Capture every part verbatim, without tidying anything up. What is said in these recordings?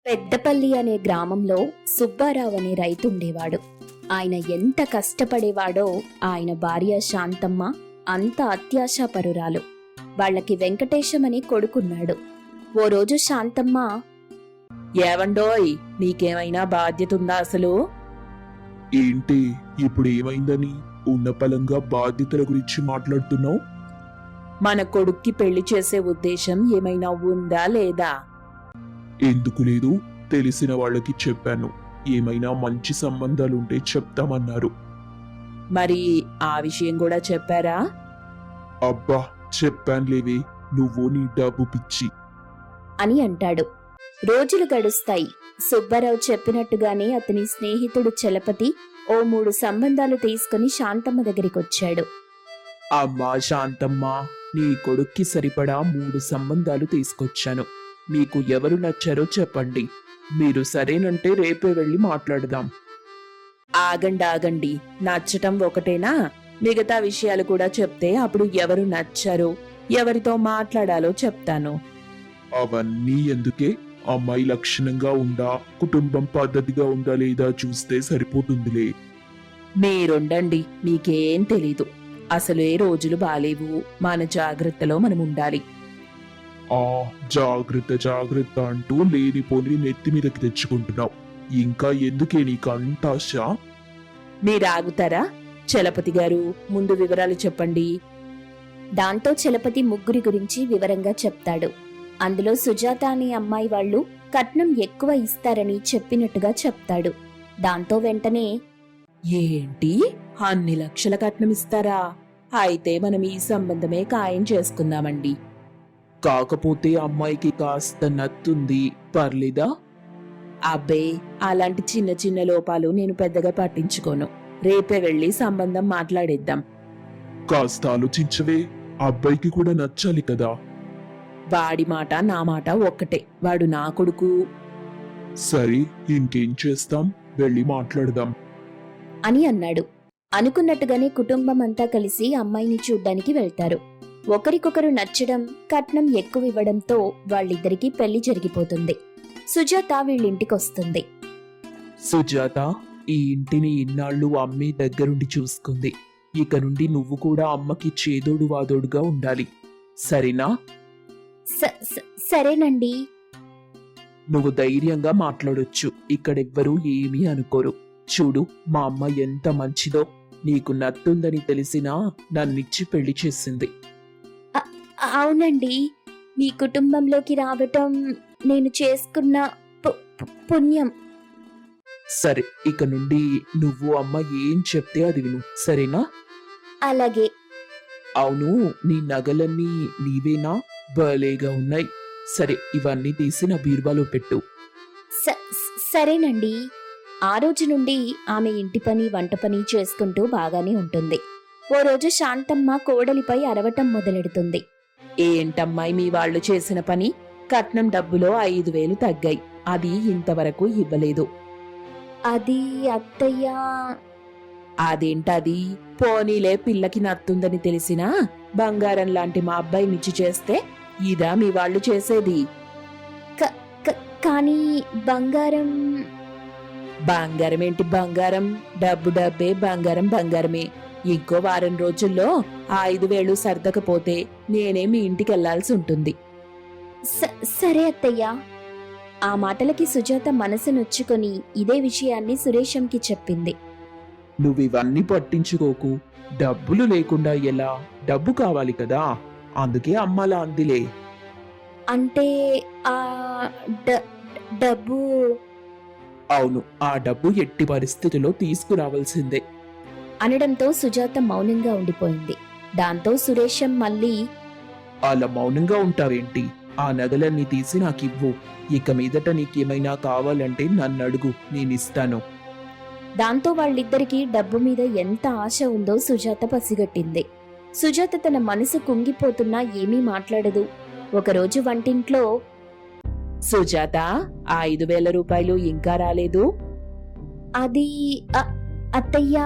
పెద్దపల్లి అనే గ్రామంలో సుబ్బారావు అనే రైతుండేవాడు. ఆయన ఎంత కష్టపడేవాడో ఆయన భార్య శాంతమ్మ అంత అత్యాశాపరురాలు. వాళ్ళకి వెంకటేశం అనే కొడుకున్నాడు. ఓ రోజు శాంతమ్మ, ఏవండోయ్, నీకేమైనా బాధ్యత ఉందా అసలు? ఏంటి ఇప్పుడు ఏమైందని ఉన్నపలంగా బాధ్యతల గురించి మాట్లాడుతున్నావు? మన కొడుక్కి పెళ్లి చేసే ఉద్దేశం ఏమైనా ఉందా లేదా? ఎందుకు లేదు, తెలిసిన వాళ్ళకి చెప్పాను. ఏమైనా మంచి సంబంధాలుంటే చెప్తామన్నారు. మరి ఆ విషయం కూడా చెప్పారా? అబ్బా చెప్పానులేవే, నువ్వు నీ డబ్బు పిచ్చి అని అంటాడు. రోజులు గడుస్తాయి. సుబ్బారావు చెప్పినట్టుగానే అతని స్నేహితుడు చలపతి ఓ మూడు సంబంధాలు తీసుకుని శాంతమ్మ దగ్గరికొచ్చాడు. అమ్మా శాంతమ్మ, నీ కొడుక్కి సరిపడా మూడు సంబంధాలు తీసుకొచ్చాను. మీకు ఎవరు నచ్చారో చెప్పండి. మీరు సరేనంటే రేపే వెళ్ళి మాట్లాడదాం. ఆగండి ఆగండి, నచ్చటం ఒకటేనా? మిగతా విషయాలు కూడా చెప్తే అప్పుడు ఎవరు నచ్చారో ఎవరితో మాట్లాడాలో చెప్తాను. అవన్నీ ఎందుకే? అమ్మాయి లక్షణంగా ఉందా, కుటుంబం పద్ధతిగా ఉందా లేదా చూస్తే సరిపోతుందిలే. మీరుండండి, మీకేం తెలీదు. అసలే రోజులు బాలేవు. మన జాగ్రత్తలో మనం ఉండాలి. ఆ జాగ్రత్త జాగ్రత్త అంటూ లేనిపోని నెత్తి మీదకి తెచ్చుకుంటున్నావు. ఇంకా ఎందుకే నీకు అంత ఆశ? మీరాగుతారా? చలపతి గారు, ముందు వివరాలు చెప్పండి. దాంతో చలపతి ముగ్గురి గురించి వివరంగా చెప్తాడు. అందులో సుజాత అనే అమ్మాయి వాళ్ళు కట్నం ఎక్కువ ఇస్తారని చెప్పినట్టుగా చెప్తాడు. దాంతో వెంటనే, ఏంటి, అన్ని లక్షల కట్నం ఇస్తారా? అయితే మనం ఈ సంబంధమే ఖాయం చేసుకుందామండి. కాకపోతే అమ్మాయికి కాస్త నత్తుంది, పర్లేదా? అబ్బే, అలాంటి చిన్న చిన్న లోపాలు నేను పెద్దగా పట్టించుకోను. రేపే వెళ్ళి సంబంధం మాట్లాడేద్దాం. కాస్త ఆలోచించవే, అబ్బాయికి కూడా నచ్చాలి కదా. వాడి మాట నా మాట ఒక్కటే. వాడు నా కొడుకు. సరే, ఇంకేం చేస్తాం, వెళ్ళి మాట్లాడదాం అని అన్నాడు. అనుకున్నట్టుగానే కుటుంబం అంతా కలిసి అమ్మాయిని చూడ్డానికి వెళ్తారు. ఒకరికొకరు నచ్చడం, కట్నం ఎక్కువ ఇవ్వడంతో వాళ్ళిద్దరికీ పెళ్లి జరిగిపోతుంది. సుజాత వీళ్ళింటికొస్తుంది. సుజాత, ఈ ఇంటిని ఇన్నాళ్ళు అమ్మే దగ్గరుండి చూసుకుంది. ఇక నుండి నువ్వు కూడా అమ్మకి చేదోడు వాదోడుగా ఉండాలి, సరేనా? స- స- సరేనండి. నువ్వు ధైర్యంగా మాట్లాడొచ్చు. ఇక్కడెవ్వరూ ఏమీ అనుకోరు. చూడు, మా అమ్మ ఎంత మంచిదో. నీకు నత్తుందని తెలిసినా నన్నిచ్చి పెళ్లి చేసింది. అవునండి, మీ కుటుంబంలోకి రావటం నేను చేసుకున్న పు- పు- పుణ్యం. సరే, ఇక నుండి నువ్వు అమ్మ ఏం చెప్తే అది విను, సరేనా? అలాగే. అవును, నీ నగలన్నీ నీవేనా? భలేగా ఉన్నాయి. సరే, ఇవన్నీ తీసి నా బీరువాలో పెట్టు. స- సరేనండి. ఆ రోజు నుండి ఆమె ఇంటి పని వంట పని చేసుకుంటూ బాగానే ఉంటుంది. ఓ రోజు శాంతమ్మ కోడలిపై అరవటం మొదలెడుతుంది. ఏంటమ్మాయి మీ వాళ్ళు చేసిన పని? కట్నం డబ్బులో ఐదు వేలు తగ్గాయి. అది ఇంతవరకు ఇవ్వలేదు. అది అత్తయ్య. అదేంటది? పోనీలే, పిల్లకి నత్తుందని తెలిసినా బంగారం లాంటి మా అబ్బాయినిచ్చి చేస్తే ఇదా మీ వాళ్ళు చేసేది? క- క- కానీ బంగారం. బంగారం ఏంటి బంగారం? డబ్బు డబ్బే, బంగారం బంగారమే. ఇంకో వారం రోజుల్లో ఆ ఐదు వేలు సర్దకపోతే నేనే మీ ఇంటికి వెళ్లాల్సి ఉంటుంది. స- సరే అత్తయ్య. ఆ మాటలకి సుజాత మనసు నొచ్చుకొని ఇదే విషయాన్ని సురేషంకి చెప్పింది. నువ్వివన్నీ పట్టించుకోకు. డబ్బులు లేకుండా ఎలా? డబ్బు కావాలి కదా, అందుకే అమ్మలా అందిలే. అంటే ఆ డ- డబ్బు. అవును, ఆ డబ్బు ఎట్టి పరిస్థితిలో తీసుకురావాల్సిందే. అనడంతో సుజాత మౌనంగా ఉండిపోయింది. దాంతో సురేషం మళ్ళీ, అలా మౌనంగా ఉంటావేంటి? ఆ నగలన్నీ తీసి నాకివ్వు. ఇక మీదట నీకేమైనా కావాలంటే నన్ను అడుగు, నేనిస్తాను. దాంతో వాళ్ళిద్దరికీ డబ్బు మీద ఎంత ఆశ ఉందో సుజాత పసిగట్టింది. సుజాత తన మనసు కుంగిపోతున్నా ఏమీ మాట్లాడదు. ఒకరోజు వంటింట్లో, సుజాత, ఆ ఐదు వేల రూపాయలు ఇంకా రాలేదు. అది అ- అత్తయ్య.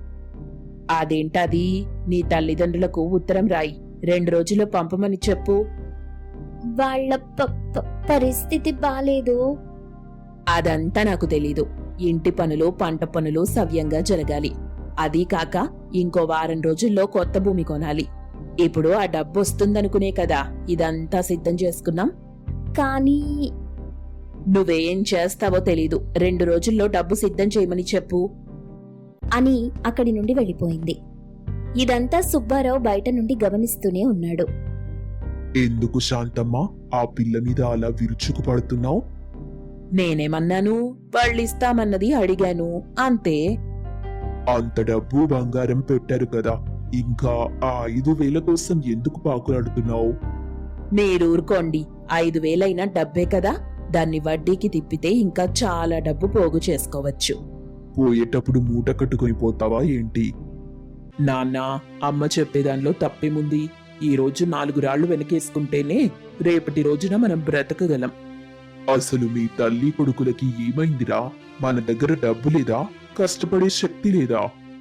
అదేంటది? నీ తల్లిదండ్రులకు ఉత్తరం రాయి, రెండు రోజుల్లో పంపమని చెప్పు. వాళ్ళ ప- ప- పరిస్థితి బాలేదు. అదంతా నాకు తెలీదు. ఇంటి పనులు పంట పనులు సవ్యంగా జరగాలి. అదీ కాక ఇంకో వారం రోజుల్లో కొత్త భూమి కొనాలి. ఇప్పుడు ఆ డబ్బు వస్తుందనుకునే కదా ఇదంతా సిద్ధం చేసుకున్నాం. కానీ నువ్వేం చేస్తావో తెలీదు. రెండు రోజుల్లో డబ్బు సిద్ధం చేయమని చెప్పు అని అక్కడి నుండి వెళ్ళిపోయింది. ఇదంతా సుబ్బారావు బయట నుండి గమనిస్తూనే ఉన్నాడు. ఎందుకు శాంతమ్మ ఆ పిల్ల మీద అలా విరుచుకు పడుతున్నావు? నేనేమన్నాను? వాళ్ళిస్తామన్నది అడిగాను అంతే. అంత డబ్బు బంగారం పెట్టారు కదా, ఇంకా ఆ ఐదు వేల కోసం ఎందుకు పాకులాడుతున్నావు? మీరూరుకోండి. ఐదు వేలైనా డబ్బే కదా, దాన్ని వడ్డీకి తిప్పితే ఇంకా చాలా డబ్బు పోగు చేసుకోవచ్చు. పోయేటప్పుడు మూట కట్టుకుని పోతావా ఏంటి? నాన్న, అమ్మ చెప్పేదానిలో తప్పేముంది? ఈ రోజు నాలుగు రాళ్లు వెనకేసుకుంటేనే రేపటి రోజున మనం బ్రతకగలం. అసలు మీ తల్లి కొడుకులకి ఏమైందిరా? మన దగ్గర డబ్బు లేదా? కష్టపడే శక్తి లేదా?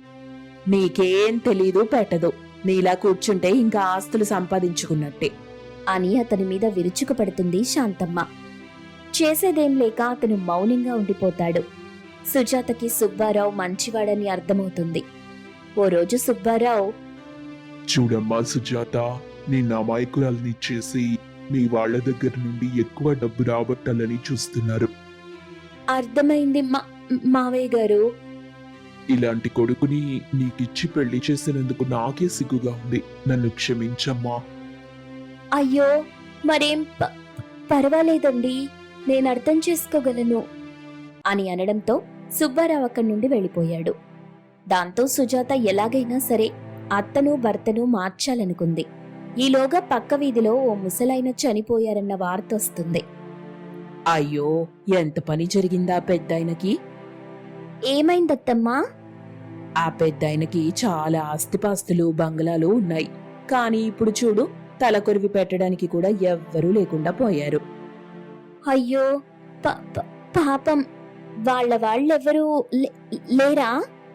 నీకేం తెలీదు పెట్టదు. నీలా కూర్చుంటే ఇంకా ఆస్తులు సంపాదించుకున్నట్టే అని అతని మీద విరుచుకుపడుతుంది శాంతమ్మ. చేసేదేం లేక అతను మౌనంగా ఉండిపోతాడు. సుజాతకి సుబ్బారావు మంచివాడని అర్థమవుతుంది. ఓ రోజు సుబ్బారావు, చూడమ్మా సుజాత, నిన్న అమాయకురాల్ని చేసి మీ వాళ్ళ దగ్గర నుండి ఎక్కువ డబ్బు రాబట్టాలని చూస్తున్నారు. అర్థమైంది మా మావయ్య గారు. ఇలాంటి కొడుకుని నీకిచ్చి పెళ్లి చేసినందుకు నాకే సిగ్గుగా ఉంది. నన్ను క్షమించమ్మా. అయ్యో, మరేం ప- పర్వాలేదండి, నేను అర్థం చేసుకోగలను అని అనడంతో సుబ్బారావు అక్కడి నుండి వెళ్ళిపోయాడు. దాంతో సుజాత ఎలాగైనా సరే అత్తను భర్తను మార్చాలనుకుంది. ఈలోగా పక్క వీధిలో ఓ ముసలాయన చనిపోయారన్న వార్త వస్తుంది. అయ్యో, ఎంత పని జరిగిందా పెద్దాయనకి? ఏమైందత్తమ్మా? ఆ పెద్దాయనకి చాలా ఆస్తిపాస్తులు బంగ్లాలు ఉన్నాయి. కానీ ఇప్పుడు చూడు, తలకొరివి పెట్టడానికి కూడా ఎవ్వరూ లేకుండా పోయారు. అయ్యో, ప- ప- పాపం, వాళ్ళ వాళ్ళెవరూ లే- లేరా?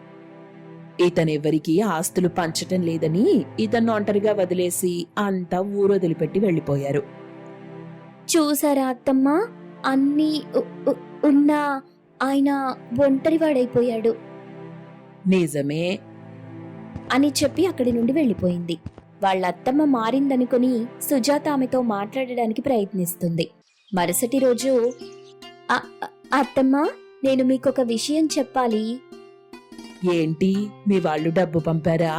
ఇతనెవ్వరికీ ఆస్తులు పంచటం లేదని ఇతన్ని ఒంటరిగా వదిలేసి అంతా ఊరొదిలిపెట్టి వెళ్ళిపోయారు. చూసారా అత్తమ్మా, అన్నీ ఉ- ఉ- ఉన్నా ఆయన ఒంటరివాడైపోయాడు. నిజమే అని చెప్పి అక్కడి నుండి వెళ్ళిపోయింది. వాళ్ళ అత్తమ్మ మారిందనుకుని సుజాత ఆమెతో మాట్లాడడానికి ప్రయత్నిస్తుంది. మరుసటి రోజు, "అ- అ- అత్తమ్మ, నేను మీకొక విషయం చెప్పాలి." ఏంటి, మీ వాళ్ళు డబ్బు పంపారా?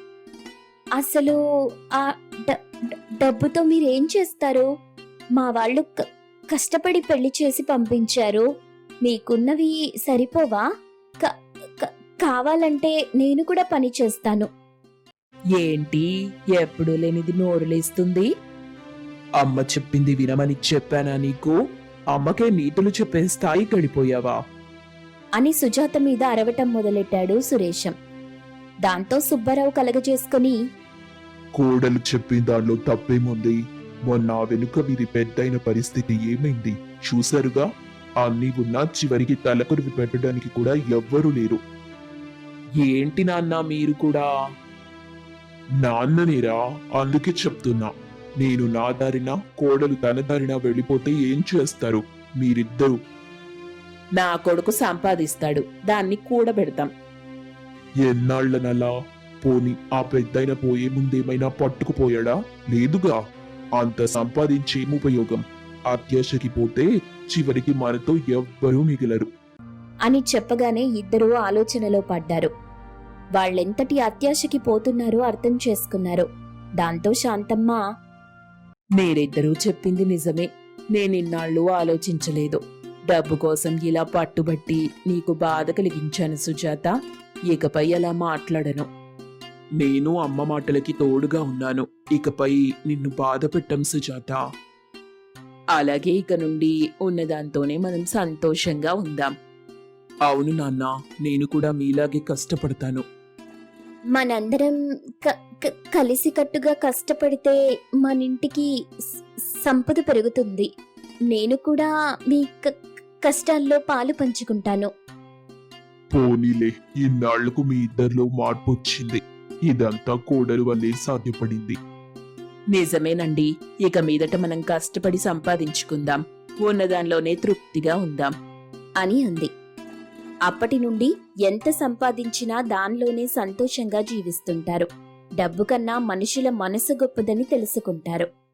అసలు ఆ డ- డ- డబ్బుతో మీరేం చేస్తారు? మా వాళ్ళు క- కష్టపడి పెళ్లి చేసి పంపించారు. మీకున్నవి సరిపోవా? క- క- కావాలంటే నేను కూడా పని చేస్తాను. ఏంటి, ఎప్పుడు లేనిది నోరులేస్తుంది? అమ్మ చెప్పింది వినమని చెప్పానా నీకు? అమ్మకే నీతులు చెప్పే స్థాయి గడిపోయావా? అని సుజాత మీద అరవటం మొదలెట్టాడు సురేశం. దాంతో సుబ్బారావు కలగజేసుకుని, కోడలు చెప్పిన దానిలో తప్పేముంది? మొన్న ఆ వెనుక వీరి పెద్దయిన పరిస్థితి ఏమైంది చూశారుగా? అన్నీ ఉన్నా చివరికి తలకొరివి పెట్టడానికి కూడా ఎవ్వరూ లేరు. ఏంటి నాన్న మీరు కూడా? నాన్ననేరా, అందుకే చెప్తున్నా. నేను నా దారిన, కోడలు తన దారిన వెళ్ళిపోతే ఏం చేస్తారు మీరిద్దరూ? నా కొడుకు సంపాదిస్తాడు, దాన్ని కూడబెడతాం. ఎన్నాళ్లనలా? పోని ఆ పెద్దయిన పోయే ముందేమైనా పట్టుకుపోయాడా? లేదుగా. అంత సంపాదించేం ఉపయోగం? అత్యాశకి పోతే చివరికి మనతో ఎవ్వరూ మిగిలరు అని చెప్పగానే ఇద్దరూ ఆలోచనలో పడ్డారు. వాళ్ళెంతటి అత్యాశకి పోతున్నారో అర్థం చేసుకున్నారు. దాంతో శాంతమ్మ, మీరిద్దరూ చెప్పింది నిజమే. నేనిన్నాళ్ళు ఆలోచించలేదు. డబ్బు కోసం ఇలా పట్టుబట్టి నీకు బాధ కలిగించాను సుజాత. ఇకపై అలా మాట్లాడను. నేను అమ్మ మాటలకి తోడుగా ఉన్నాను. ఇకపై నిన్ను బాధ పెట్టం సుజాత. అలాగే ఇక నుండి ఉన్నదాంతోనే మనం సంతోషంగా ఉందాం. అవును నాన్న, నేను కూడా మీలాగే కష్టపడతాను. మనందరం క- క- కలిసికట్టుగా కష్టపడితే మనింటికి స- సంపద పెరుగుతుంది. నేను కూడా మీ క- కష్టాల్లో పాలు పంచుకుంటాను. పోనీలే, ఇన్నాళ్లకు మీ ఇద్దరిలో మార్పు వచ్చింది. ఇదంతా కోడలు వల్లే సాధ్యపడింది. నిజమేనండి. ఇక మీదట మనం కష్టపడి సంపాదించుకుందాం. ఉన్నదానిలోనే తృప్తిగా ఉందాం అని అంది. అప్పటి నుండి ఎంత సంపాదించినా దానిలోనే సంతోషంగా జీవిస్తుంటారు. డబ్బు కన్నా మనుషుల మనసు గొప్పదని తెలుసుకుంటారు.